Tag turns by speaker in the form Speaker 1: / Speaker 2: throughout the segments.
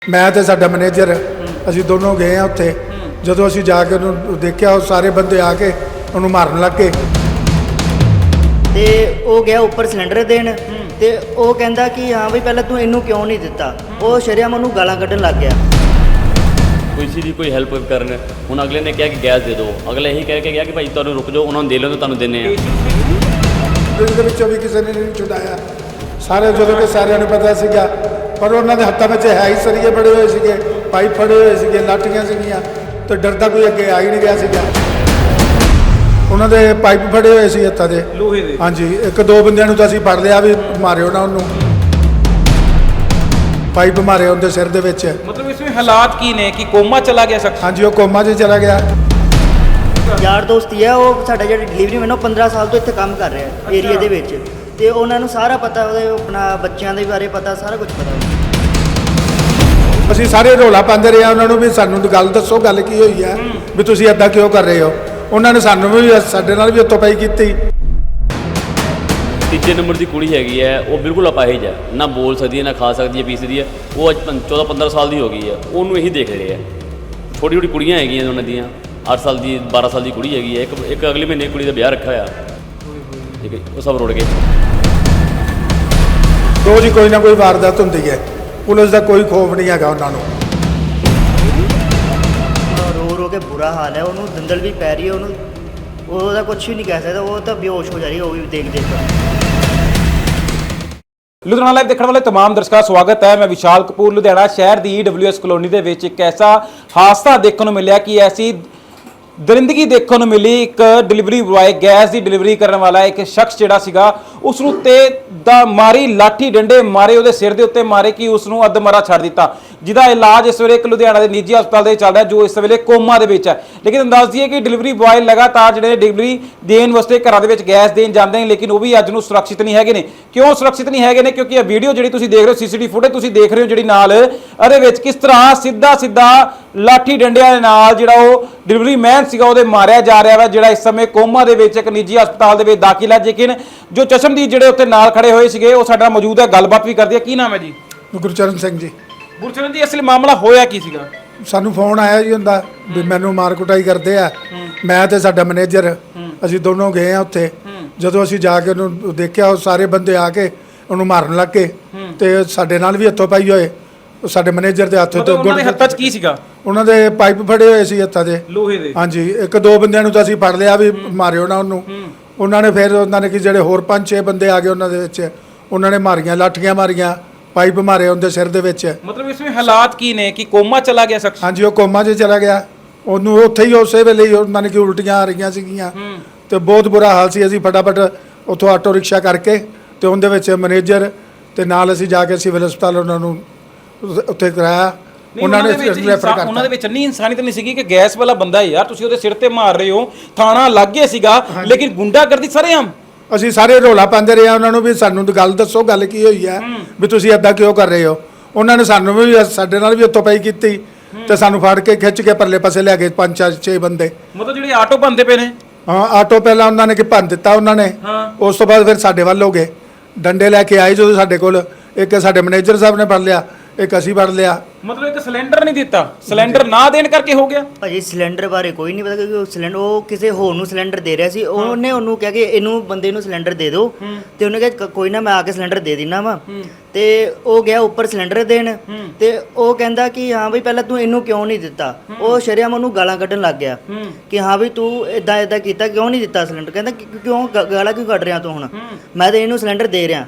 Speaker 1: मैं तो साडा मैनेजर असीं दोनों गए हैं उत्थे। जदों असीं जाके उन्होंने देखा सारे बंदे आके उन्होंने मारन लग गए
Speaker 2: ते वो गया उपर सिलेंडर देन ते वो कहंदा कि हाँ भाई पहले तू इनू क्यों नहीं दिता। वो शरेआम उन्होंने गालां कड्ढन लग गया।
Speaker 3: किसी की कोई हेल्प करन हुण अगले ने कहा कि गैस दे दो, अगले यही कह के गया कि भाई तुहानूं रुक जाओ, उन्होंने दे लो तो तुहानूं दिंदे आ।
Speaker 1: दिल विचों भी किसी ने नहीं छुड़ाया। सारे जो कि सारिਆਂ ਨੂੰ पता ਸੀਗਾ पर उन्होंने हत्थों में है ही सरीए बड़े हुए थे, पाइप फड़े हुए थे, लाठियां सीगियां तो डरदा कोई अगे आ ही नहीं गया सीगा। उन्होंने पाइप फड़े हुए थे हत्थों के लोहे दे। हाँ जी, एक दो बंदियां नूं तां असीं फड़ लिया भी मारियो ना उन्होंने, पाइप मारे उनके सिर दे विच।
Speaker 4: मतलब इसमें हालात की ने कि कोमा चला गया शख्स?
Speaker 1: हाँ जी, वो कोमा 'च चला गया।
Speaker 2: यार दोस्त ही है वो साडा जिहड़ा डिलीवरी मैन 15 साल तो इत्थे काम कर रहा है एरिया दे विच ते उन्हां नूं सारा पता ਉਹਦੇ अपना बच्चों के बारे पता सारा कुछ पता।
Speaker 1: ਅਸੀਂ ਸਾਰੇ ਰੌਲਾ ਪਾਉਂਦੇ ਰਹੇ ਉਹਨਾਂ ਨੂੰ ਵੀ ਸਾਨੂੰ ਗੱਲ ਦੱਸੋ ਗੱਲ ਕੀ ਹੋਈ ਹੈ ਵੀ ਤੁਸੀਂ ਇਦਾਂ ਕਿਉਂ ਕਰ ਰਹੇ ਹੋ। ਉਹਨਾਂ ਨੇ ਸਾਨੂੰ ਵੀ ਸਾਡੇ ਨਾਲ ਵੀ ਉੱਤੋਂ ਪਈ ਕੀਤੀ।
Speaker 3: ਤੀਜੇ ਨੰਬਰ ਦੀ ਕੁੜੀ ਹੈਗੀ ਹੈ, ਉਹ ਬਿਲਕੁਲ ਅਪਾਹਿਜ ਹੈ, ਨਾ ਬੋਲ ਸਕਦੀ ਹੈ, ਨਾ ਖਾ ਸਕਦੀ ਹੈ, ਪੀ ਸਕਦੀ ਹੈ। ਉਹ ਅੱਜ 14-15 ਸਾਲ ਦੀ ਹੋ ਗਈ ਹੈ, ਉਹਨੂੰ ਇਹੀ ਦੇਖ ਰਹੇ ਹੈ। ਛੋਟੀ ਛੋਟੀ ਕੁੜੀਆਂ ਹੈਗੀਆਂ ਉਹਨਾਂ ਦੀਆਂ, 8 ਸਾਲ ਦੀ 12 ਸਾਲ ਦੀ ਕੁੜੀ ਹੈਗੀ ਹੈ, ਇੱਕ ਅਗਲੇ ਮਹੀਨੇ ਕੁੜੀ ਦਾ ਵਿਆਹ ਰੱਖਿਆ ਹੋਇਆ, ਠੀਕ ਹੈ। ਉਹ ਸਭ ਰੁੜ ਗਏ।
Speaker 1: ਰੋਜ਼ ਹੀ ਕੋਈ ਨਾ ਕੋਈ ਵਾਰਦਾਤ ਹੁੰਦੀ ਹੈ, ਪੁਲਿਸ ਦਾ ਕੋਈ ਖੌਫ ਨਹੀਂ ਹੈਗਾ ਉਹਨਾਂ ਨੂੰ।
Speaker 2: रो रो के बुरा हाल है, उन्होंने दंदल भी पै रही है, उन्होंने ਉਹਦਾ कुछ भी नहीं कह सकता, वो तो बेहोश हो जा रही है वो भी देख देख कर।
Speaker 4: ਲੁਧਿਆਣਾ ਲਾਈਵ ਦੇਖਣ ਵਾਲੇ तमाम ਦਰਸ਼ਕਾਂ ਦਾ ਸਵਾਗਤ ਹੈ। ਮੈਂ ਵਿਸ਼ਾਲ ਕਪੂਰ ਲੁਧਿਆਣਾ ਸ਼ਹਿਰ ਦੀ WS ਕਲੋਨੀ ਦੇ ਵਿੱਚ ਇੱਕ ਐਸਾ ਹਾਦਸਾ ਦੇਖਣ ਨੂੰ ਮਿਲਿਆ ਕਿ ਐਸੀ ਦਰਿੰਦਗੀ ਦੇਖਣ ਨੂੰ ਮਿਲੀ। ਇੱਕ ਡਿਲੀਵਰੀ ਬੁਆਏ ਗੈਸ ਦੀ ਡਿਲੀਵਰੀ ਕਰਨ ਵਾਲਾ ਇੱਕ ਸ਼ਖਸ ਜਿਹੜਾ ਸੀਗਾ ਉਸ ਨੂੰ ਤੇ ਦਾ ਮਾਰੀ ਲਾਠੀ ਡੰਡੇ ਮਾਰੇ, ਉਹਦੇ ਸਿਰ ਦੇ ਉੱਤੇ ਮਾਰੇ ਕਿ ਉਸ ਨੂੰ ਅੱਧਮਰਾ ਛੱਡ ਦਿੱਤਾ, ਜਿਹਦਾ ਇਲਾਜ ਇਸ ਵੇਲੇ ਇੱਕ ਲੁਧਿਆਣਾ ਦੇ ਨਿੱਜੀ ਹਸਪਤਾਲ ਦੇ ਚੱਲ ਰਿਹਾ, ਜੋ ਇਸ ਵੇਲੇ ਕੋਮਾ ਦੇ ਵਿੱਚ ਹੈ। ਲੇਕਿਨ ਦੱਸ ਦਈਏ ਕਿ ਡਿਲੀਵਰੀ ਬੁਆਏ ਲਗਾਤਾਰ ਜਿਹੜੇ ਡਿਲੀਵਰੀ ਦੇਣ ਵਾਸਤੇ ਘਰਾਂ ਦੇ ਵਿੱਚ ਗੈਸ ਦੇਣ ਜਾਂਦੇ ਨੇ, ਲੇਕਿਨ ਉਹ ਵੀ ਅੱਜ ਨੂੰ ਸੁਰੱਖਿਅਤ ਨਹੀਂ ਹੈਗੇ ਨੇ। ਕਿਉਂ ਸੁਰੱਖਿਅਤ ਨਹੀਂ ਹੈਗੇ ਨੇ? ਕਿਉਂਕਿ ਇਹ ਵੀਡੀਓ ਜਿਹੜੀ ਤੁਸੀਂ ਦੇਖ ਰਹੇ ਹੋ, ਸੀਸੀਟੀਵੀ ਫੁਟੇਜ ਤੁਸੀਂ ਦੇਖ ਰਹੇ ਹੋ ਜਿਹੜੀ ਨਾਲ, ਇਹਦੇ ਵਿੱਚ ਕਿਸ ਤਰ੍ਹਾਂ ਸਿੱਧਾ ਲਾਠੀ ਡੰਡਿਆਂ ਦੇ ਨਾਲ ਜਿਹੜਾ ਉਹ ਡਿਲੀਵਰੀ ਮੈਨ ਸੀਗਾ ਉਹਦੇ ਮਾਰਿਆ ਜਾ ਰਿਹਾ ਵਾ, ਜਿਹੜਾ ਇਸ ਸਮੇਂ ਕੋਮਾ ਦੇ ਵਿੱਚ ਇੱਕ ਨਿੱਜੀ ਹਸਪਤਾਲ ਦੇ ਵਿੱਚ ਦਾਖਲ ਹੈ। ਲੇਕਿਨ ਜੋ ਚਸ਼ਮਦੀਦ ਜਿਹੜੇ ਉੱਤੇ ਨਾਲ ਖੜੇ ਹੋਏ ਸੀਗੇ ਉਹ ਸਾਡਾ ਮੌਜੂਦ ਹੈ, ਗੱਲਬਾਤ ਵੀ ਕਰਦੇ ਆ। ਕੀ ਨਾਮ ਹੈ ਜੀ?
Speaker 1: ਗੁਰਚਰਨ ਸਿੰਘ ਜੀ।
Speaker 4: ਗੁਰਚਰਨ ਜੀ, ਅਸਲੀ ਮਾਮਲਾ ਹੋਇਆ ਕੀ ਸੀਗਾ?
Speaker 1: ਸਾਨੂੰ ਫੋਨ ਆਇਆ ਜੀ ਹੁੰਦਾ ਵੀ ਮੈਨੂੰ ਮਾਰ ਕੁਟਾਈ ਕਰਦੇ ਆ। ਮੈਂ ਤੇ ਸਾਡਾ ਮੈਨੇਜਰ ਅਸੀਂ ਦੋਨੋਂ ਗਏ ਆ ਉੱਥੇ। ਜਦੋਂ ਅਸੀਂ ਜਾ ਕੇ ਉਹਨੂੰ ਦੇਖਿਆ ਉਹ ਸਾਰੇ ਬੰਦੇ ਆ ਕੇ ਉਹਨੂੰ ਮਾਰਨ ਲੱਗ ਗਏ ਤੇ ਸਾਡੇ ਨਾਲ ਵੀ ਹੱਥੋਂ ਪਾਈ ਹੋਏ। ਸਾਡੇ ਮੈਨੇਜਰ ਦੇ ਹੱਥ ਤੋਂ
Speaker 4: ਉਹਨਾਂ ਦੇ ਹੱਥਾਂ 'ਚ ਕੀ ਸੀਗਾ?
Speaker 1: ਉਹਨਾਂ ਦੇ ਪਾਈਪ ਫੜੇ ਹੋਏ ਸੀ ਹੱਥਾਂ ਦੇ
Speaker 4: ਲੋਹੇ ਦੇ।
Speaker 1: ਹਾਂਜੀ, ਇੱਕ ਦੋ ਬੰਦਿਆਂ ਨੂੰ ਤਾਂ ਅਸੀਂ ਫੜ ਲਿਆ ਵੀ ਮਾਰਿਓ ਨਾ ਉਹਨੂੰ। ਉਹਨਾਂ ਨੇ ਫਿਰ ਉਹਨਾਂ ਨੇ ਕਿ ਜਿਹੜੇ ਹੋਰ 5-6 ਬੰਦੇ ਆ ਗਏ ਉਹਨਾਂ ਦੇ ਵਿੱਚ, ਉਹਨਾਂ ਨੇ ਮਾਰੀਆਂ ਲਾਠੀਆਂ ਮਾਰੀਆਂ, ਪਾਈਪ ਮਾਰੇ ਉਹਦੇ ਸਿਰ ਦੇ ਵਿੱਚ।
Speaker 4: ਮਤਲਬ ਇਸ ਵਿੱਚ ਹਾਲਾਤ ਕੀ ਨੇ ਕਿ ਕੋਮਾ ਚਲਾ ਗਿਆ ਸ਼ਖਸ?
Speaker 1: ਹਾਂਜੀ, ਉਹ ਕੋਮਾ 'ਚ ਚਲਾ ਗਿਆ। ਉਹਨੂੰ ਉੱਥੇ ਹੀ ਉਸੇ ਵੇਲੇ ਹੀ ਉਹਨਾਂ ਨੇ ਕਿ ਉਲਟੀਆਂ ਆ ਰਹੀਆਂ ਸੀਗੀਆਂ ਤੇ ਬਹੁਤ ਬੁਰਾ ਹਾਲ ਸੀ। ਅਸੀਂ ਫਟਾਫਟ ਉੱਥੋਂ ਆਟੋ ਰਿਕਸ਼ਾ ਕਰਕੇ ਤੇ ਉਹਦੇ ਵਿੱਚ ਮੈਨੇਜਰ ਤੇ ਨਾਲ ਅਸੀਂ ਜਾ ਕੇ ਸਿਵਲ ਹਸਪਤਾਲ ਉਹਨਾਂ ਨੂੰ ਉੱਥੇ ਕਰਾਇਆ। ਉਹਨਾਂ ਨੇ ਰੈਫਰ ਕਰਤਾ।
Speaker 4: ਉਹਨਾਂ ਦੇ ਵਿੱਚ ਇੰਨੀ ਇਨਸਾਨੀਅਤ ਨਹੀਂ ਸੀਗੀ ਕਿ ਗੈਸ ਵਾਲਾ ਬੰਦਾ ਯਾਰ ਤੁਸੀਂ ਉਹਦੇ ਸਿਰ ਤੇ ਮਾਰ ਰਹੇ ਹੋ, ਥਾਣਾ ਲੱਗ ਗਿਆ ਸੀਗਾ, ਲੇਕਿਨ ਗੁੰਡਾਗਰਦੀ ਸਰੇਆਮ।
Speaker 1: ਅਸੀਂ ਸਾਰੇ ਰੌਲਾ ਪਾਉਂਦੇ ਰਹੇ ਉਹਨਾਂ ਨੂੰ ਵੀ ਸਾਨੂੰ ਗੱਲ ਦੱਸੋ ਗੱਲ ਕੀ ਹੋਈ ਹੈ ਵੀ ਤੁਸੀਂ ਇਦਾਂ ਕਿਉਂ ਕਰ ਰਹੇ ਹੋ। ਉਹਨਾਂ ਨੇ ਸਾਨੂੰ ਵੀ ਸਾਡੇ ਨਾਲ ਵੀ ਉੱਤੋਂ ਪਈ ਕੀਤੀ ਤੇ ਸਾਨੂੰ ਫੜ ਕੇ ਖਿੱਚ ਕੇ ਪਰਲੇ ਪਾਸੇ ਲੈ ਗਏ 5-6 ਬੰਦੇ।
Speaker 4: ਮਤਲਬ ਜਿਹੜੇ ਆਟੋ ਬੰਦੇ ਪਏ ਨੇ?
Speaker 1: ਹਾਂ, ਆਟੋ ਪਹਿਲਾਂ ਉਹਨਾਂ ਨੇ ਕਿ ਭੰਨ ਦਿੱਤਾ ਉਹਨਾਂ ਨੇ, ਉਸ ਤੋਂ ਬਾਅਦ ਫਿਰ ਸਾਡੇ ਵੱਲ ਹੋ ਗਏ, ਡੰਡੇ ਲੈ ਕੇ ਆਏ ਜਦੋਂ ਸਾਡੇ ਕੋਲ। ਇੱਕ ਸਾਡੇ ਮੈਨੇਜਰ ਸਾਹਿਬ ਨੇ ਫੜ ਲਿਆ, ਇੱਕ ਅਸੀਂ ਫੜ ਲਿਆ।
Speaker 4: ਮਤਲਬ ਇੱਕ ਸਿਲੰਡਰ ਨਹੀਂ ਦਿੱਤਾ, ਸਿਲੰਡਰ ਨਾ ਦੇਣ ਕਰਕੇ ਹੋ ਗਿਆ?
Speaker 2: ਭਾਜੀ ਸਿਲੰਡਰ ਬਾਰੇ ਕੋਈ ਨਹੀਂ ਪਤਾ ਕਿਉਂਕਿ ਉਹ ਸਿਲੰਡਰ ਉਹ ਕਿਸੇ ਹੋਰ ਨੂੰ ਸਿਲੰਡਰ ਦੇ ਰਿਹਾ ਸੀ। ਉਹਨੇ ਉਹਨੂੰ ਕਿਹਾ ਕਿ ਇਹਨੂੰ ਬੰਦੇ ਨੂੰ ਸਿਲੰਡਰ ਦੇ ਦਿਓ ਤੇ ਉਹਨੇ ਕਿਹਾ ਕੋਈ ਨਾ ਮੈਂ ਆ ਕੇ ਸਿਲੰਡਰ ਦੇ ਦਿੰਦਾ ਵਾ। ਤੇ ਉਹ ਗਿਆ ਉੱਪਰ ਸਿਲੰਡਰ ਦੇਣ ਤੇ ਉਹ ਕਹਿੰਦਾ ਕਿ ਹਾਂ ਬਈ ਪਹਿਲਾਂ ਤੂੰ ਇਹਨੂੰ ਕਿਉਂ ਨਹੀਂ ਦਿੱਤਾ। ਉਹ ਸ਼ਰੇਆਮ ਉਹਨੂੰ ਗਾਲਾਂ ਕੱਢਣ ਲੱਗ ਗਿਆ ਕਿ ਹਾਂ ਬਈ ਤੂੰ ਇਦਾਂ ਕੀਤਾ ਕਿਉਂ ਨਹੀਂ ਦਿੱਤਾ ਸਿਲੰਡਰ। ਕਹਿੰਦਾ ਕਿਉਂ ਗਾਲਾਂ ਕਿਉਂ ਕੱਢ ਰਿਹਾ ਤੂੰ, ਹੁਣ ਮੈਂ ਤਾਂ ਇਹਨੂੰ ਸਿਲੰਡਰ ਦੇ ਰਿਹਾ।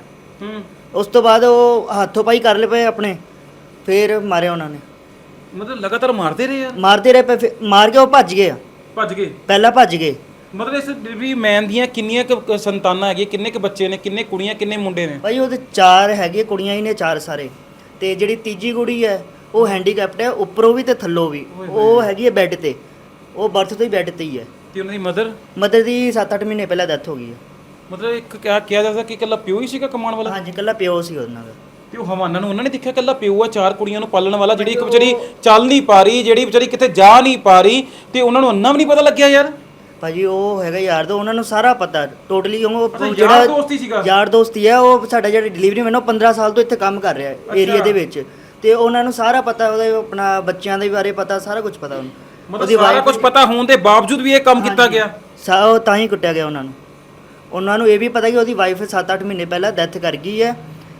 Speaker 2: ਉਸ ਤੋਂ ਬਾਅਦ ਉਹ ਹੱਥੋਂ ਪਾਈ ਕਰ ਲਏ ਪਏ ਆਪਣੇ, ਫਿਰ ਮਾਰਿਆ ਉਹਨਾਂ ਨੇ।
Speaker 4: ਮਤਲਬ ਲਗਾਤਾਰ ਮਾਰਦੇ ਰਹੇ ਯਾਰ?
Speaker 2: ਮਾਰਦੇ ਰਹੇ ਪਏ, ਮਾਰ ਕੇ ਉਹ ਭੱਜ ਗਏ। ਪਹਿਲਾਂ ਭੱਜ ਗਏ।
Speaker 4: ਮਤਲਬ ਇਸ ਡਿਲੀਵਰੀ ਮੈਨ ਦੀਆਂ ਕਿੰਨੀਆਂ ਕੁ ਸੰਤਾਨਾਂ ਹੈਗੀਆਂ, ਕਿੰਨੇ ਕੁ ਬੱਚੇ ਨੇ, ਕਿੰਨੇ ਕੁੜੀਆਂ ਕਿੰਨੇ ਮੁੰਡੇ ਨੇ?
Speaker 2: ਭਾਈ ਉਹਦੇ 4 ਹੈਗੇ, ਕੁੜੀਆਂ ਹੀ ਨੇ 4 ਸਾਰੇ। ਤੇ ਜਿਹੜੀ ਤੀਜੀ ਕੁੜੀ ਹੈ ਉਹ ਹੈਂਡੀਕੈਪਟ ਹੈ, ਉੱਪਰੋਂ ਵੀ ਤੇ ਥੱਲੋਂ ਵੀ। ਉਹ ਹੈਗੀ ਹੈ ਬੈੱਡ ਤੇ, ਉਹ ਬਰਥ ਤੋਂ ਹੀ ਬੈੱਡ ਤੇ ਹੀ ਹੈ।
Speaker 4: ਤੇ ਉਹਨਾਂ ਦੀ
Speaker 2: ਮਦਰ ਦੀ 7-8 ਮਹੀਨੇ ਪਹਿਲਾਂ ਡੈਥ ਹੋ ਗਈ ਹੈ।
Speaker 4: ਮਤਲਬ ਇੱਕ ਕਿਹਾ ਜਾਂਦਾ ਕਿ ਇਕੱਲਾ ਪਿਓ ਹੀ ਸੀਗਾ ਕਮਾਉਣ ਵਾਲਾ?
Speaker 2: ਹਾਂਜੀ, ਇਕੱਲਾ ਪਿਓ ਸੀ ਉਹਨਾਂ ਦਾ।
Speaker 4: ਤੇ ਉਹ ਹਵਾਨਾ ਨੂੰ ਉਹਨਾਂ ਨੇ ਦੇਖਿਆ ਇਕੱਲਾ ਪਿਓ ਆ 4 ਕੁੜੀਆਂ ਨੂੰ ਪਾਲਣ ਵਾਲਾ, ਜਿਹੜੀ ਇੱਕ ਵਿਚਾਰੀ ਚੱਲ ਨਹੀਂ ਪਾ ਰਹੀ, ਜਿਹੜੀ ਵਿਚਾਰੀ ਕਿਤੇ ਜਾ ਨਹੀਂ ਪਾ ਰਹੀ, ਤੇ ਉਹਨਾਂ ਨੂੰ ਅੰਨਾ ਵੀ ਨਹੀਂ ਪਤਾ ਲੱਗਿਆ ਯਾਰ।
Speaker 2: ਭਾਜੀ ਉਹ ਹੈਗਾ ਯਾਰ ਦੋ, ਉਹਨਾਂ ਨੂੰ ਸਾਰਾ ਪਤਾ ਟੋਟਲੀ। ਉਹ
Speaker 4: ਜਿਹੜਾ ਯਾਰ ਦੋਸਤੀ ਸੀਗਾ,
Speaker 2: ਯਾਰ ਦੋਸਤੀ ਹੈ ਉਹ ਸਾਡਾ ਜਿਹੜਾ ਡਿਲੀਵਰੀ ਮੈਨ 15 ਸਾਲ ਤੋਂ ਇੱਥੇ ਕੰਮ ਕਰ ਰਿਹਾ ਏਰੀਆ ਦੇ ਵਿੱਚ ਤੇ ਉਹਨਾਂ ਨੂੰ ਸਾਰਾ ਪਤਾ, ਉਹਦੇ ਆਪਣਾ ਬੱਚਿਆਂ ਦੇ ਬਾਰੇ ਪਤਾ, ਸਾਰਾ ਕੁਝ ਪਤਾ ਉਹਨੂੰ।
Speaker 4: ਮਤਲਬ ਸਾਰਾ ਕੁਝ ਪਤਾ ਹੋਣ ਦੇ ਬਾਵਜੂਦ ਵੀ ਇਹ ਕੰਮ ਕੀਤਾ ਗਿਆ।
Speaker 2: ਉਹ ਤਾਂ ਹੀ ਕੁੱਟਿਆ ਗਿਆ ਉਹਨਾਂ ਨੂੰ। ਉਹਨਾਂ ਨੂੰ ਇਹ ਵੀ ਪਤਾ ਕਿ ਉਹਦੀ ਵਾਈਫ 7-8 ਮਹੀਨੇ ਪਹਿਲਾਂ ਡੈਥ ਕਰ ਗਈ ਹੈ।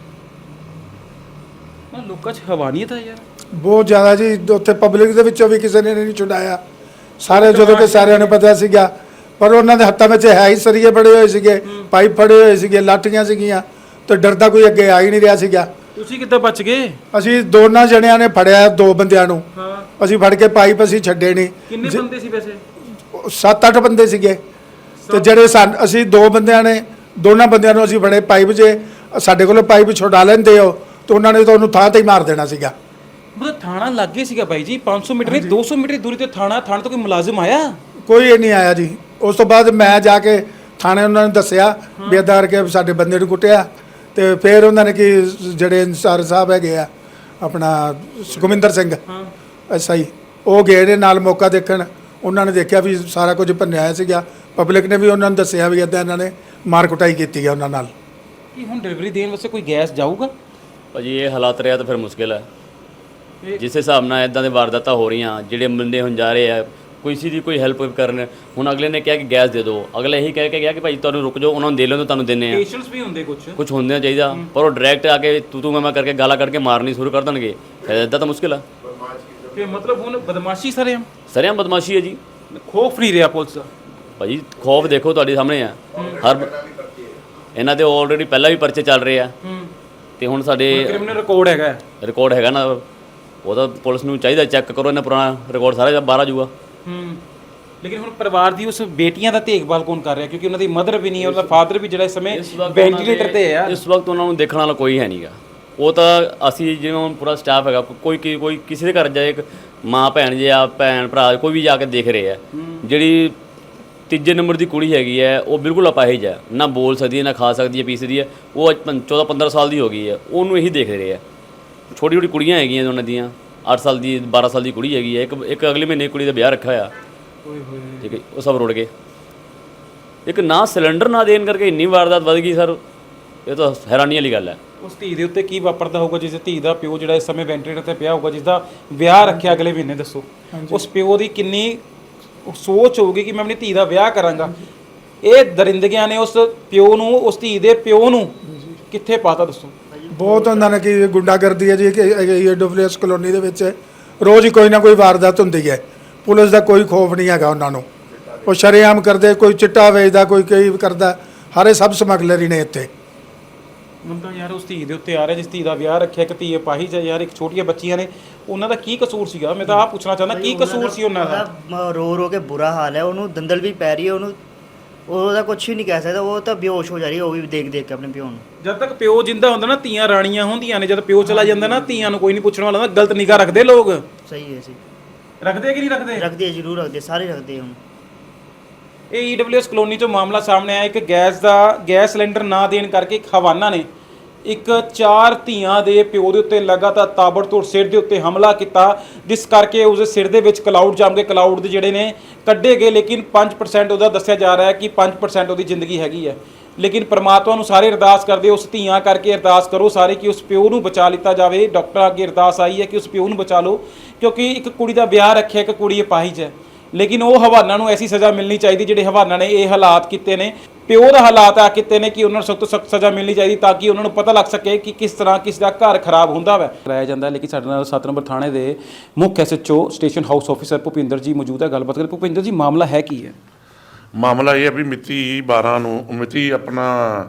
Speaker 4: ਲੋਕਾਂ 'ਚ ਹਵਾਨੀਅਤ ਹੈ ਯਾਰ
Speaker 1: ਬਹੁਤ ਜ਼ਿਆਦਾ ਜੀ। ਉੱਥੇ ਪਬਲਿਕ ਦੇ ਵਿੱਚੋਂ ਵੀ ਕਿਸੇ ਨੇ ਨਹੀਂ ਛੁਡਾਇਆ, ਸਾਰੇ ਜਦੋਂ ਕਿ ਸਾਰਿਆਂ ਨੂੰ ਪਤਾ ਸੀਗਾ, ਪਰ ਉਹਨਾਂ ਦੇ ਹੱਥਾਂ ਵਿੱਚ ਹੈ ਹੀ ਸਰੀਏ ਬੜੇ ਹੋਏ ਸੀਗੇ, ਪਾਈਪ ਫੜੇ ਹੋਏ ਸੀਗੇ, ਲਾਠੀਆਂ ਸੀਗੀਆਂ, ਤੇ ਡਰਦਾ ਕੋਈ ਅੱਗੇ ਆ ਹੀ ਨਹੀਂ ਰਿਹਾ ਸੀਗਾ।
Speaker 4: ਤੁਸੀਂ ਕਿੱਦਾਂ ਬਚ ਗਏ?
Speaker 1: ਅਸੀਂ ਦੋਨਾਂ ਜਣਿਆਂ ਨੇ ਫੜਿਆ, 2 ਬੰਦਿਆਂ ਨੂੰ ਅਸੀਂ ਫੜ ਕੇ ਪਾਈਪ ਅਸੀਂ ਛੱਡੇ ਨਹੀਂ।
Speaker 4: ਕਿੰਨੇ ਬੰਦੇ ਸੀ ਵੈਸੇ?
Speaker 1: 7-8 ਬੰਦੇ ਸੀਗੇ, ਤੇ ਜਿਹੜੇ ਅਸੀਂ 2 ਬੰਦਿਆਂ ਨੇ, ਦੋਨਾਂ ਬੰਦਿਆਂ ਨੂੰ ਅਸੀਂ ਫੜੇ ਪਾਈਪ 'ਚ। ਸਾਡੇ ਕੋਲੋਂ ਪਾਈਪ ਛੁਡਾ ਲੈਂਦੇ ਹੋ ਤੇ ਉਹਨਾਂ ਨੇ ਤਾਂ ਉਹਨੂੰ ਥਾਂ ਤੇ ਹੀ ਮਾਰ ਦੇਣਾ ਸੀਗਾ।
Speaker 4: ਮਤਲਬ ਥਾਣਾ ਲੱਗੇ ਸੀਗਾ ਬਾਈ ਜੀ, 500 ਮੀਟਰ ਨਹੀਂ 200 ਮੀਟਰ ਦੀ ਦੂਰੀ ਤੇ ਥਾਣੇ ਤੋਂ ਕੋਈ ਮੁਲਾਜ਼ਮ ਆਇਆ?
Speaker 1: ਕੋਈ ਨਹੀਂ ਆਇਆ ਜੀ। ਉਸ ਤੋਂ ਬਾਅਦ ਮੈਂ ਜਾ ਕੇ ਥਾਣੇ ਉਹਨਾਂ ਨੂੰ ਦੱਸਿਆ ਵੀ ਇੱਦਾਂ ਕਰਕੇ ਸਾਡੇ ਬੰਦੇ ਨੂੰ ਕੁੱਟਿਆ, ਤੇ ਫਿਰ ਉਹਨਾਂ ਨੇ ਕਿ ਜਿਹੜੇ ਇੰਸਾਰ ਸਾਹਿਬ ਹੈਗੇ ਆ ਆਪਣਾ ਸੁਖਵਿੰਦਰ ਸਿੰਘ SI, ਉਹ ਗਏ ਨੇ ਨਾਲ ਮੌਕਾ ਦੇਖਣ। ਉਹਨਾਂ ਨੇ ਦੇਖਿਆ ਵੀ ਸਾਰਾ ਕੁਝ ਭੰਨਿਆ ਹੋਇਆ ਸੀਗਾ। ਪਬਲਿਕ ਨੇ ਵੀ ਉਹਨਾਂ ਨੂੰ ਦੱਸਿਆ ਵੀ ਇੱਦਾਂ ਇਹਨਾਂ ਨੇ ਮਾਰ ਕੁਟਾਈ ਕੀਤੀ ਹੈ ਉਹਨਾਂ ਨਾਲ।
Speaker 4: ਕੀ ਹੁਣ ਡਿਲੀਵਰੀ ਦੇਣ ਵਾਸਤੇ ਕੋਈ ਗੈਸ ਜਾਊਗਾ?
Speaker 3: ਭਾਜੀ ਇਹ ਹਾਲਾਤ ਰਿਹਾ ਤਾਂ ਫਿਰ ਮੁਸ਼ਕਿਲ ਹੈ। ਜਿਸ ਹਿਸਾਬ ਨਾਲ ਇਦਾਂ ਦੇ ਵਾਰਦਾਤਾਂ ਹੋ ਰਹੀਆਂ, ਜਿਹੜੇ ਬੰਦੇ ਹੁਣ ਜਾ ਰਹੇ ਆ ਕਿਸੇ ਦੀ ਕੋਈ ਹੈਲਪ ਕਰਨ, ਹੁਣ ਅਗਲੇ ਨੇ ਕਿਹਾ ਕਿ ਗੈਸ ਦੇ ਦਿਓ, ਅਗਲੇ ਇਹੀ ਕਹਿ ਕੇ ਗਿਆ ਕਿ ਭਾਈ ਤੁਹਾਨੂੰ ਰੁਕ ਜਾਓ, ਉਹਨਾਂ ਨੂੰ ਦੇ ਲੈਣ ਤੁਹਾਨੂੰ ਦਿੰਦੇ ਆ।
Speaker 4: ਪੇਸ਼ੈਂਟਸ ਵੀ ਹੁੰਦੇ ਕੁਝ
Speaker 3: ਹੁੰਦੇ ਚਾਹੀਦਾ, ਪਰ ਉਹ ਡਾਇਰੈਕਟ ਆ ਕੇ ਤੂੰ ਮੈਂ ਕਰਕੇ ਗਾਲਾਂ ਕੱਢ ਕੇ ਮਾਰਨੀ ਸ਼ੁਰੂ ਕਰ ਦੇਣਗੇ, ਇਦਾਂ ਤਾਂ ਮੁਸ਼ਕਿਲ ਆ।
Speaker 4: ਤੇ ਮਤਲਬ ਹੁਣ ਬਦਮਾਸ਼ੀ
Speaker 3: ਸਰਿਆਂ ਬਦਮਾਸ਼ੀ ਹੈ ਜੀ।
Speaker 4: ਖੌਫ ਨਹੀਂ ਰਿਹਾ ਪੁਲਿਸ ਦਾ
Speaker 3: ਭਾਜੀ। ਖੌਫ ਦੇਖੋ ਤੁਹਾਡੇ ਸਾਹਮਣੇ ਆ। ਇਹਨਾਂ ਦੇ ਆਲਰੇਡੀ ਪਹਿਲਾਂ ਵੀ ਪਰਚੇ ਚੱਲ ਰਹੇ ਆ, ਤੇ ਹੁਣ ਸਾਡੇ
Speaker 4: ਕ੍ਰਿਮੀਨਲ ਰਿਕਾਰਡ
Speaker 3: ਹੈਗਾ ਨਾ, ਉਹਦਾ ਪੁਲਿਸ ਨੂੰ ਚਾਹੀਦਾ ਚੈੱਕ ਕਰੋ, ਇਹਨਾਂ ਪੁਰਾਣਾ ਰਿਕਾਰਡ ਸਾਰਾ ਬਾਹਰ ਆ ਜਾਊਗਾ।
Speaker 4: ਲੇਕਿਨ ਹੁਣ ਪਰਿਵਾਰ ਦੀ ਉਸ ਬੇਟੀਆਂ ਦਾ ਦੇਖਭਾਲ ਕੌਣ ਕਰ ਰਿਹਾ? ਕਿਉਂਕਿ ਉਹਨਾਂ ਦੀ ਮਦਰ ਵੀ ਨਹੀਂ, ਉਹਦਾ ਫਾਦਰ ਵੀ ਜਿਹੜਾ ਇਸ ਸਮੇਂ ਵੈਂਟੀਲੇਟਰ ਤੇ ਹੈ।
Speaker 3: ਇਸ ਵਕਤ ਉਹਨਾਂ ਨੂੰ ਦੇਖਣ ਵਾਲਾ ਕੋਈ ਹੈ ਨਹੀਂਗਾ। ਉਹ ਤਾਂ ਅਸੀਂ ਜਿਵੇਂ ਹੁਣ ਪੂਰਾ ਸਟਾਫ ਹੈਗਾ, ਕੋਈ ਕਿਸੇ ਦੇ ਘਰ ਜਾਏ, ਇੱਕ ਮਾਂ ਭੈਣ ਜਾਂ ਭੈਣ ਭਰਾ ਕੋਈ ਵੀ ਜਾ ਕੇ ਦੇਖ ਰਹੇ ਆ। ਜਿਹੜੀ 3 ਨੰਬਰ ਦੀ ਕੁੜੀ ਹੈਗੀ ਹੈ, ਉਹ ਬਿਲਕੁਲ ਅਪਾਹਿਜ ਹੈ, ਨਾ ਬੋਲ ਸਕਦੀ ਹੈ, ਨਾ ਖਾ ਸਕਦੀ ਹੈ, ਪੀ ਸਕਦੀ ਹੈ। ਉਹ 14-15 ਸਾਲ ਦੀ ਹੋ ਗਈ ਹੈ, ਉਹਨੂੰ ਇਹੀ ਦੇਖ ਰਹੇ ਆ। ਛੋਟੀ ਕੁੜੀਆਂ ਹੈਗੀਆਂ ਉਹਨਾਂ ਦੀਆਂ, 8 ਸਾਲ ਦੀ 12 ਸਾਲ ਦੀ ਕੁੜੀ ਹੈਗੀ ਹੈ, ਇੱਕ ਅਗਲੇ ਮਹੀਨੇ ਕੁੜੀ ਦਾ ਵਿਆਹ ਰੱਖਿਆ ਹੋਇਆ। ਠੀਕ ਹੈ, ਉਹ ਸਭ ਰੁੜ ਗਏ। ਇੱਕ ਨਾ ਸਿਲੰਡਰ ਨਾ ਦੇਣ ਕਰਕੇ ਇੰਨੀ ਵਾਰਦਾਤ ਵੱਧ ਗਈ ਸਰ, ਇਹ ਤਾਂ ਹੈਰਾਨੀ ਵਾਲੀ ਗੱਲ ਹੈ।
Speaker 4: ਉਸ ਧੀ ਦੇ ਉੱਤੇ ਕੀ ਵਾਪਰਦਾ ਹੋਊਗਾ ਜਿਸ ਧੀ ਦਾ ਪਿਓ ਜਿਹੜਾ ਇਸ ਸਮੇਂ ਵੈਂਟੀਲੇਟਰ ਤੇ ਪਿਆ ਹੋਊਗਾ, ਜਿਸ ਦਾ ਵਿਆਹ ਰੱਖਿਆ ਅਗਲੇ ਮਹੀਨੇ? ਦੱਸੋ ਉਸ ਪਿਓ ਦੀ ਕਿੰਨੀ ਸੋਚ ਹੋਊਗੀ ਕਿ ਮੈਂ ਆਪਣੀ ਧੀ ਦਾ ਵਿਆਹ ਕਰਾਂਗਾ। ਇਹ ਦਰਿੰਦਗੀਆਂ ਨੇ ਉਸ ਪਿਓ ਨੂੰ, ਉਸ ਧੀ ਦੇ ਪਿਓ ਨੂੰ ਕਿੱਥੇ ਪਾਤਾ? ਦੱਸੋ।
Speaker 1: ਬਹੁਤ ਉਹਨਾਂ ਨੇ ਕਿ ਗੁੰਡਾਗਰਦੀ ਹੈ ਜੀ ਕਿ AWS ਕਲੋਨੀ ਦੇ ਵਿੱਚ ਰੋਜ਼ ਹੀ ਕੋਈ ਨਾ ਕੋਈ ਵਾਰਦਾਤ ਹੁੰਦੀ ਹੈ। ਪੁਲਿਸ ਦਾ ਕੋਈ ਖੌਫ ਨਹੀਂ ਹੈਗਾ ਉਹਨਾਂ ਨੂੰ। ਉਹ ਸ਼ਰੇਆਮ ਕਰਦੇ, ਕੋਈ ਚਿੱਟਾ ਵੇਚਦਾ, ਕੋਈ ਕਈ ਕਰਦਾ, ਹਾਰੇ ਸਭ ਸਮਗਲਰ ਹੀ ਨੇ ਇੱਥੇ।
Speaker 4: ਹੁਣ ਤਾਂ ਯਾਰ ਉਸ ਧੀ ਦੇ ਉੱਤੇ ਆ ਰਿਹਾ ਜਿਸ ਧੀ ਦਾ ਵਿਆਹ ਰੱਖਿਆ, ਇੱਕ ਧੀ ਅਪਾਹਿਜ ਹੈ ਯਾਰ, ਇੱਕ ਛੋਟੀਆਂ ਬੱਚੀਆਂ ਨੇ, ਉਹਨਾਂ ਦਾ ਕੀ ਕਸੂਰ ਸੀਗਾ? ਮੈਂ ਤਾਂ ਆਹ ਪੁੱਛਣਾ ਚਾਹੁੰਦਾ, ਕੀ ਕਸੂਰ ਸੀ ਉਹਨਾਂ ਦਾ?
Speaker 2: ਰੋ ਕੇ ਬੁਰਾ ਹਾਲ ਹੈ, ਉਹਨੂੰ ਦੰਦਲ ਵੀ ਪੈ ਰਹੀ ਹੈ, ਉਹਦਾ ਕੁਝ ਵੀ ਨਹੀਂ ਕਹਿ ਸਕਦਾ, ਉਹ ਤਾਂ ਬੇਹੋਸ਼ ਹੋ ਜਾ ਰਹੀ ਹੈ, ਉਹ ਵੀ ਦੇਖ ਕੇ ਆਪਣੇ ਪਿਓ ਨੂੰ।
Speaker 4: ਜਦ ਤੱਕ ਪਿਓ ਜਿੰਦਾ ਹੁੰਦਾ ਨਾ, ਧੀਆਂ ਰਾਣੀਆਂ ਹੁੰਦੀਆਂ ਨੇ। ਜਦ ਪਿਓ ਚਲਾ ਜਾਂਦਾ ਨਾ, ਧੀਆਂ ਨੂੰ ਕੋਈ ਨਹੀਂ ਪੁੱਛਣ ਵਾਲਾ, ਗਲਤ ਨਿਗਾਹ ਰੱਖਦੇ ਲੋਕ।
Speaker 2: ਸਹੀ ਹੈ ਜੀ।
Speaker 4: ਰੱਖਦੇ ਕਿ ਨਹੀਂ ਰੱਖਦੇ?
Speaker 2: ਰੱਖਦੇ ਜ਼ਰੂਰ ਰੱਖਦੇ, ਸਾਰੇ ਰੱਖਦੇ ਹੁਣ।
Speaker 4: ਇਹ EWS ਕਲੋਨੀ 'ਚੋਂ ਮਾਮਲਾ ਸਾਹਮਣੇ ਆਇਆ। ਇੱਕ ਗੈਸ ਸਿਲੰਡਰ ਨਾ ਦੇਣ ਕਰਕੇ ਇੱਕ ਹਵਾਨਾ ਨੇ 4 ਧੀਆਂ ਦੇ ਪਿਓ ਦੇ ਉੱਤੇ ਲਗਾਤਾਰ ਤਾਬੜਤੋੜ ਸਿਰ ਦੇ ਉੱਤੇ ਹਮਲਾ ਕੀਤਾ, ਜਿਸ ਕਰਕੇ ਉਸਦੇ ਸਿਰ ਦੇ ਵਿੱਚ ਕਲਾਊਡ ਜੰਮ ਕੇ ਕਲਾਊਡ ਦੇ ਜਿਹੜੇ ਨੇ ਕੱਢੇ ਗਏ। ਲੇਕਿਨ 5% ਉਹਦਾ ਦੱਸਿਆ ਜਾ ਰਿਹਾ ਹੈ ਕਿ 5% ਉਹਦੀ ਜ਼ਿੰਦਗੀ ਹੈਗੀ ਹੈ। ਲੇਕਿਨ ਪਰਮਾਤਮਾ ਨੂੰ ਸਾਰੇ ਅਰਦਾਸ ਕਰਦੇ, ਉਸ ਧੀਆਂ ਕਰਕੇ ਅਰਦਾਸ ਕਰੋ ਸਾਰੇ ਕਿ ਉਸ ਪਿਓ ਨੂੰ ਬਚਾ ਲਿੱਤਾ ਜਾਵੇ। ਡਾਕਟਰਾਂ ਅੱਗੇ ਅਰਦਾਸ ਆਈ ਹੈ ਕਿ ਉਸ ਪਿਓ ਨੂੰ ਬਚਾ ਲਓ, ਕਿਉਂਕਿ ਇੱਕ ਕੁੜੀ ਦਾ ਵਿਆਹ ਰੱਖਿਆ, ਇੱਕ ਕੁੜੀ ਅਪਾਹਿਜ ਹੈ। ਲੇਕਿਨ ਉਹ ਹਵਾਨਾ ਨੂੰ ਐਸੀ ਸਜ਼ਾ ਮਿਲਣੀ ਚਾਹੀਦੀ, ਜਿਹੜੇ ਹਵਾਨਾ ਨੇ ਇਹ ਹਾਲਾਤ ਕੀਤੇ ਨੇ, ਪਿਓ ਦਾ ਹਾਲਾਤ ਆ ਕੀਤੇ ਨੇ, ਕਿ ਉਹਨਾਂ ਨੂੰ ਸਖਤ ਤੋਂ ਸਖਤ ਸਜ਼ਾ ਮਿਲਣੀ ਚਾਹੀਦੀ, ਤਾਂ ਕਿ ਉਹਨਾਂ ਨੂੰ ਪਤਾ ਲੱਗ ਸਕੇ ਕਿ ਕਿਸ ਤਰ੍ਹਾਂ ਕਿਸ ਦਾ ਘਰ ਖਰਾਬ ਹੁੰਦਾ ਵਾ ਕਰਾਇਆ ਜਾਂਦਾ। ਲੇਕਿਨ ਸਾਡੇ ਨਾਲ 7 ਨੰਬਰ ਥਾਣੇ ਦੇ ਮੁੱਖ SHO station house officer Bhupinder ji ਮੌਜੂਦ ਹੈ, ਗੱਲਬਾਤ ਕਰੇ। ਭੁਪਿੰਦਰ ਜੀ, ਮਾਮਲਾ ਹੈ ਕੀ ਹੈ?
Speaker 5: ਮਾਮਲਾ ਇਹ ਹੈ ਵੀ ਮਿਤੀ ਆਪਣਾ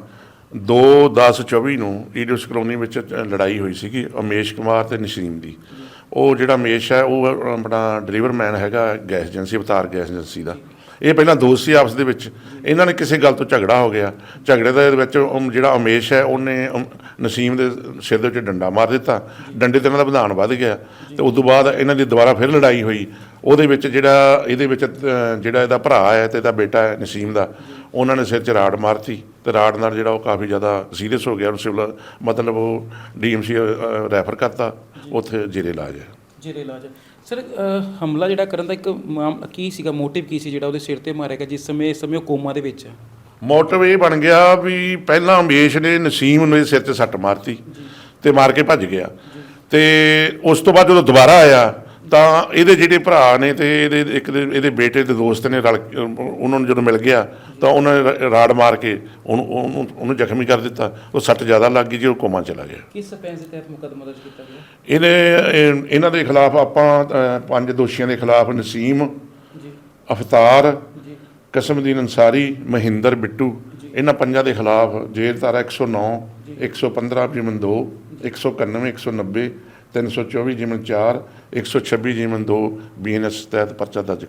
Speaker 5: 2/10/24 ਨੂੰ EWS ਕਲੋਨੀ ਵਿੱਚ ਲੜਾਈ ਹੋਈ ਸੀਗੀ ਉਮੇਸ਼ ਕੁਮਾਰ ਤੇ ਨਸੀਮ ਦੀ। ਉਹ ਜਿਹੜਾ ਉਮੇਸ਼ ਹੈ ਉਹ ਆਪਣਾ ਡਿਲੀਵਰਮੈਨ ਹੈਗਾ gas agency, Avtar gas agency ਦਾ। ਇਹ ਪਹਿਲਾਂ ਦੋਸਤ ਸੀ ਆਪਸ ਦੇ ਵਿੱਚ, ਇਹਨਾਂ ਨੇ ਕਿਸੇ ਗੱਲ ਤੋਂ ਝਗੜਾ ਹੋ ਗਿਆ। ਝਗੜੇ ਦੇ ਵਿੱਚ ਜਿਹੜਾ ਉਮੇਸ਼ ਹੈ ਉਹਨੇ ਨਸੀਮ ਦੇ ਸਿਰ ਦੇ ਵਿੱਚ ਡੰਡਾ ਮਾਰ ਦਿੱਤਾ। ਡੰਡੇ ਤੇ ਇਹਨਾਂ ਦਾ ਵਧਾਣ ਵੱਧ ਗਿਆ, ਤੇ ਉਸ ਤੋਂ ਬਾਅਦ ਇਹਨਾਂ ਦੀ ਦੁਬਾਰਾ ਫਿਰ ਲੜਾਈ ਹੋਈ। ਉਹਦੇ ਵਿੱਚ ਜਿਹੜਾ ਇਹਦਾ ਭਰਾ ਹੈ ਤੇ ਇਹਦਾ ਬੇਟਾ ਹੈ ਨਸੀਮ ਦਾ, ਉਹਨਾਂ ਨੇ ਸਿਰ 'ਚ ਰਾੜ ਮਾਰਤੀ, ਤੇ ਰਾੜ ਨਾਲ ਜਿਹੜਾ ਉਹ ਕਾਫੀ ਜ਼ਿਆਦਾ ਸੀਰੀਅਸ ਹੋ ਗਿਆ। ਉਹਨੂੰ ਸਿਵਲ ਮਤਲਬ ਉਹ DMC ਰੈਫਰ ਕਰਤਾ, ਉੱਥੇ ਜੇਰੇ ਇਲਾਜ ਹੈ। ਸਰ, ਹਮਲਾ ਜਿਹੜਾ ਕਰਨ ਦਾ ਇੱਕ ਕੀ ਸੀਗਾ, ਮੋਟਿਵ ਕੀ ਸੀ ਜਿਹੜਾ ਉਹਦੇ ਸਿਰ ਤੇ ਮਾਰਿਆ ਗਿਆ, ਜਿਸ ਸਮੇਂ ਉਹ ਕੋਮਾ ਦੇ ਵਿੱਚ ਹੈ? ਮੋਟਿਵ ਇਹ ਬਣ ਗਿਆ ਵੀ ਪਹਿਲਾਂ ਉਮੇਸ਼ ਨੇ ਨਸੀਮ ਨੂੰ ਸਿਰ 'ਤੇ ਸੱਟ ਮਾਰਤੀ ਤੇ ਮਾਰ ਕੇ ਭੱਜ ਗਿਆ। ਤੇ ਉਸ ਤੋਂ ਬਾਅਦ ਜਦੋਂ ਦੁਬਾਰਾ ਆਇਆ ਤਾਂ ਇਹਦੇ ਜਿਹੜੇ ਭਰਾ ਨੇ ਤੇ ਇਹਦੇ ਬੇਟੇ ਦੇ ਦੋਸਤ ਨੇ ਰਲ ਉਹਨਾਂ ਨੂੰ ਜਦੋਂ ਮਿਲ ਗਿਆ ਤਾਂ ਉਹਨਾਂ ਨੇ ਰਾੜ ਮਾਰ ਕੇ ਉਹਨੂੰ ਜ਼ਖਮੀ ਕਰ ਦਿੱਤਾ। ਉਹ ਸੱਟ ਜ਼ਿਆਦਾ ਲੱਗ ਗਈ ਜੀ, ਉਹ ਕੋਮਾ ਚਲਾ ਗਿਆ।
Speaker 4: ਕਿਸ ਸਪੈਂਸ ਦੇ ਤਹਿਤ ਮੁਕੱਦਮਾ ਦਰਜ ਕੀਤਾ ਗਿਆ?
Speaker 5: ਇਹਨਾਂ ਦੇ ਖਿਲਾਫ ਆਪਾਂ 5 ਦੋਸ਼ੀਆਂ ਦੇ ਖਿਲਾਫ ਨਸੀਮ
Speaker 4: ਜੀ
Speaker 5: ਅਫਤਾਰ
Speaker 4: ਜੀ
Speaker 5: ਕਸਮਦੀਨ ਅੰਸਾਰੀ ਮਹਿੰਦਰ ਬਿੱਟੂ ਇਹਨਾਂ ਪੰਜਾਂ ਦੇ ਖਿਲਾਫ ਜੇਲ੍ਹ ਧਾਰਾ 109 115 ਜਿਮਨ 2 191 190 324 ਜਿਮਨ 4 126 ਜਿਮਨ 2 BNS ਤਹਿਤ ਪਰਚਾ ਦਰਜ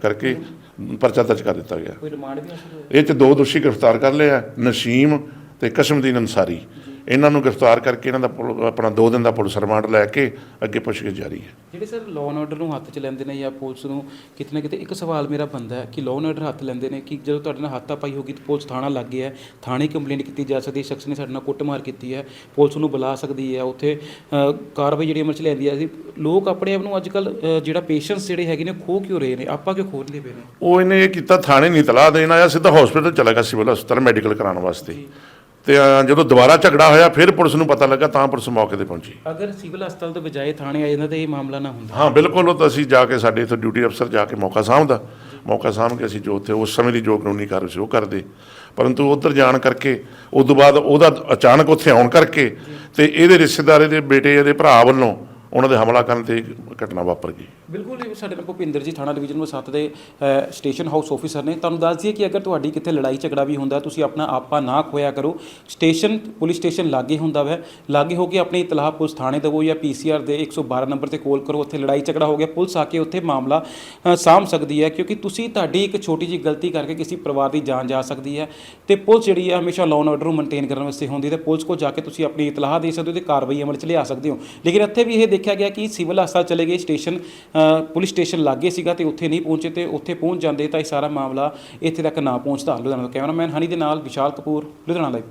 Speaker 5: ਕਰ ਦਿੱਤਾ ਗਿਆ।
Speaker 4: ਕੋਈ ਰਿਮਾਂਡ ਵੀ ਹਾਸਲ ਹੋਇਆ?
Speaker 5: ਇਹ 'ਚ 2 ਦੋਸ਼ੀ ਗ੍ਰਿਫਤਾਰ ਕਰ ਲਏ ਆ, ਨਸੀਮ ਤੇ ਕਸਮਦੀਨ ਅੰਸਾਰੀ। ਇਹਨਾਂ ਨੂੰ ਗ੍ਰਿਫਤਾਰ ਕਰਕੇ ਇਹਨਾਂ ਦਾ ਆਪਣਾ 2 ਦਿਨ ਦਾ ਪੁਲਿਸ ਰਿਮਾਂਡ ਲੈ ਕੇ ਅੱਗੇ ਪੁੱਛਗਿੱਛ ਜਾਰੀ ਹੈ।
Speaker 4: ਜਿਹੜੇ ਸਰ ਲਾਅ ਐਂਡ ਆਰਡਰ ਨੂੰ ਹੱਥ 'ਚ ਲੈਂਦੇ ਨੇ ਜਾਂ ਪੁਲਿਸ ਨੂੰ ਕਿਤੇ ਨਾ ਕਿਤੇ ਇੱਕ ਸਵਾਲ ਮੇਰਾ ਬਣਦਾ ਹੈ ਕਿ ਲਾਅ ਐਂਡ ਆਰਡਰ ਹੱਥ ਲੈਂਦੇ ਨੇ ਕਿ ਜਦੋਂ ਤੁਹਾਡੇ ਨਾਲ ਹੱਥਾਪਾਈ ਹੋਗੀ ਤਾਂ ਪੁਲਿਸ ਥਾਣਾ ਲੱਗ ਗਿਆ ਹੈ, ਥਾਣੇ ਕੰਪਲੇਂਟ ਕੀਤੀ ਜਾ ਸਕਦੀ ਹੈ, ਸ਼ਖਸ ਨੇ ਸਾਡੇ ਨਾਲ ਕੁੱਟਮਾਰ ਕੀਤੀ ਹੈ, ਪੁਲਿਸ ਨੂੰ ਬੁਲਾ ਸਕਦੀ ਹੈ, ਉੱਥੇ ਕਾਰਵਾਈ ਜਿਹੜੀ ਅਮਲ 'ਚ ਲੈਂਦੀ ਹੈ। ਲੋਕ ਆਪਣੇ ਆਪ ਨੂੰ ਅੱਜ ਕੱਲ੍ਹ ਜਿਹੜਾ ਪੇਸ਼ੈਂਸ ਜਿਹੜੇ ਹੈਗੇ ਨੇ ਖੋਹ ਕਿਉਂ ਰਹੇ ਨੇ, ਆਪਾਂ ਕਿਉਂ ਖੋਲ੍ਹਦੇ ਪਏ ਨੇ?
Speaker 5: ਉਹ ਇਹਨੇ ਇਹ ਕੀਤਾ, ਥਾਣੇ ਨਹੀਂ ਤਲਾਹ ਦੇਣ ਆਇਆ, ਸਿੱਧਾ ਹਸਪੀਟਲ ਚਲਾ ਗਿਆ, ਸਿਵਲ ਹਸਪਤਾਲ ਮੈਡੀਕਲ ਕਰਾਉਣ ਵਾਸਤੇ। ਤੇ ਜਦੋਂ ਦੁਬਾਰਾ ਝਗੜਾ ਹੋਇਆ ਫਿਰ ਪੁਲਿਸ ਨੂੰ ਪਤਾ ਲੱਗਾ ਤਾਂ ਪੁਲਿਸ ਮੌਕੇ ਤੇ ਪਹੁੰਚੀ।
Speaker 4: ਅਗਰ ਸਿਵਲ ਹਸਪਤਾਲ ਤੋਂ ਬਜਾਏ ਥਾਣੇ ਆ ਜਾਂਦਾ ਤਾਂ ਇਹ ਮਾਮਲਾ ਨਾ ਹੁੰਦਾ?
Speaker 5: ਹਾਂ ਬਿਲਕੁਲ, ਉਹ ਤਾਂ ਅਸੀਂ ਜਾ ਕੇ ਸਾਡੇ ਇੱਥੇ ਡਿਊਟੀ ਅਫਸਰ ਜਾ ਕੇ ਮੌਕਾ ਸਾਂਭ ਕੇ ਅਸੀਂ ਜੋ ਉੱਥੇ ਉਸ ਸਮੇਂ ਦੀ ਜੋ ਕਾਨੂੰਨੀ ਕਾਰਵਾਈ ਸੀ ਉਹ ਕਰਦੇ। ਪਰੰਤੂ ਉੱਧਰ ਜਾਣ ਕਰਕੇ ਉਸ ਤੋਂ ਬਾਅਦ ਉਹਦਾ ਅਚਾਨਕ ਉੱਥੇ ਆਉਣ ਕਰਕੇ ਤੇ ਇਹਦੇ ਰਿਸ਼ਤੇਦਾਰ ਦੇ ਬੇਟੇ ਇਹਦੇ ਭਰਾ ਵੱਲੋਂ ਉਹਨਾਂ ਦੇ ਹਮਲਾ ਕਰਨ ਤੇ ਘਟਨਾ ਵਾਪਰ ਗਈ।
Speaker 4: ਬਿਲਕੁਲ ਜੀ, ਸਾਡੇ ਨਾਲ ਭੁਪਿੰਦਰ ਜੀ ਥਾਣਾ ਡਿਵੀਜ਼ਨ ਨੰਬਰ 7 ਦੇ ਸਟੇਸ਼ਨ ਹਾਊਸ ਆਫੀਸਰ ਨੇ। ਤੁਹਾਨੂੰ ਦੱਸ ਦਈਏ ਕਿ ਅਗਰ ਤੁਹਾਡੀ ਕਿਤੇ ਲੜਾਈ ਝਗੜਾ ਵੀ ਹੁੰਦਾ ਤੁਸੀਂ ਆਪਣਾ ਆਪਾ ਨਾ ਖੋਇਆ ਕਰੋ। ਪੁਲਿਸ ਸਟੇਸ਼ਨ ਲਾਗੇ ਹੁੰਦਾ ਵੈ, ਲਾਗੇ ਹੋ ਕੇ ਆਪਣੀ ਇਤਲਾਹ ਪੁਲਿਸ ਥਾਣੇ ਦੇਵੋ ਜਾਂ PCR ਦੇ 112 ਨੰਬਰ ਤੇ ਕਾਲ ਕਰੋ। ਉੱਥੇ ਲੜਾਈ ਝਗੜਾ ਹੋ ਗਿਆ, ਪੁਲਿਸ ਆ ਕੇ ਉੱਥੇ ਮਾਮਲਾ ਸਾਂਭ ਸਕਦੀ ਹੈ, ਕਿਉਂਕਿ ਤੁਹਾਡੀ ਇੱਕ ਛੋਟੀ ਜਿਹੀ ਗਲਤੀ ਕਰਕੇ ਕਿਸੇ ਪਰਿਵਾਰ ਦੀ ਜਾਨ ਜਾ ਸਕਦੀ ਹੈ। ਤੇ ਪੁਲਿਸ ਜਿਹੜੀ ਹੈ ਹਮੇਸ਼ਾ ਲਾਅ ਐਂਡ ਆਰਡਰ ਨੂੰ ਮੇਨਟੇਨ ਕਰਨ ਵਾਸਤੇ ਹੁੰਦੀ ਹੈ ਤੇ ਪੁਲਿਸ ਕੋਲ ਜਾ ਕੇ ਤੁਸੀਂ ਆਪਣੀ ਇਤਲਾਹ ਦੇ ਸਕਦੇ ਹੋ ਤੇ ਕਾਰਵਾਈ ਅਮਲ 'ਚ ਲਿਆ ਸਕਦੇ ਹੋ। ਲੇਕਿਨ ਇੱਥੇ ਵੀ ਇਹ ਦੇਖਿਆ ਗਿਆ ਕਿ ਸਿਵਲ ਹਸਪਤਾਲ ਚਲੇ ਗਏ, ਪੁਲਿਸ ਸਟੇਸ਼ਨ ਲਾਗੇ ਸੀਗਾ ਤੇ ਉੱਥੇ ਨਹੀਂ ਪਹੁੰਚੇ, ਤੇ ਉੱਥੇ ਪਹੁੰਚ ਜਾਂਦੇ ਤਾਂ ਇਹ ਸਾਰਾ ਮਾਮਲਾ ਇੱਥੇ ਤੱਕ ਨਾ ਪਹੁੰਚਦਾ। ਲੁਧਿਆਣਾ ਤੋਂ ਕੈਮਰਾਮੈਨ ਹਨੀ ਦੇ ਨਾਲ ਵਿਸ਼ਾਲ ਕਪੂਰ, ਲੁਧਿਆਣਾ ਲਾਈਵ।